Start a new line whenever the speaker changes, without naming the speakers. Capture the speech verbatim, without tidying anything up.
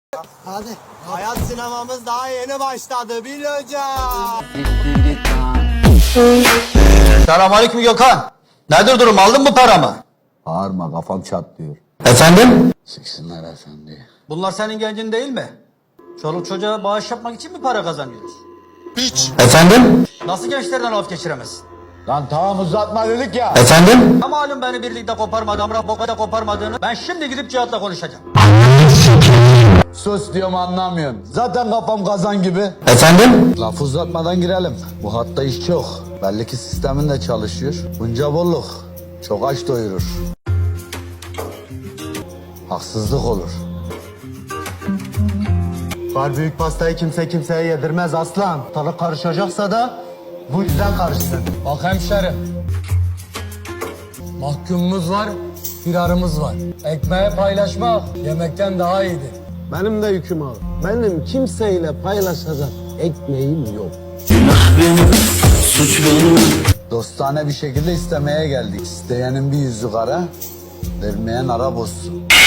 Hadi. Hayat sinemamız daha yeni başladı Bil hocam.
Selamünaleyküm Gökhan. Nedir durum, aldın mı paramı?
Bağırma, kafam çatlıyor.
Efendim?
Sıksınlar efendi.
Bunlar senin gencin değil mi? Çoluk çocuğa bağış yapmak için mi para kazanıyoruz?
Piç.
Efendim? Nasıl gençlerden laf geçiremezsin?
Lan tamam uzatma dedik ya.
Efendim? Ama malum beni birlikte koparmadı, Amrah Boka'da koparmadığını ben şimdi gidip Cihat'la konuşacağım.
Sus diyorum anlamıyorsun. Zaten kafam kazan gibi.
Efendim?
Lafı uzatmadan girelim. Bu hatta iş çok. Belli ki sistemin de çalışıyor. Bunca bolluk çok aç doyurur. Haksızlık olur.
Var büyük pastayı kimse kimseye yedirmez aslan. Tadı karışacaksa da bu yüzden karışsın.
Bak hemşerim. Mahkumumuz var, firarımız var. Ekmeği paylaşmak yemekten daha iyidir.
Benim de yüküm ağır. Benim kimseyle paylaşacak ekmeğim yok.
Dostane bir şekilde istemeye geldik. İsteyenin bir yüzü kara, vermeyen ara bozsun.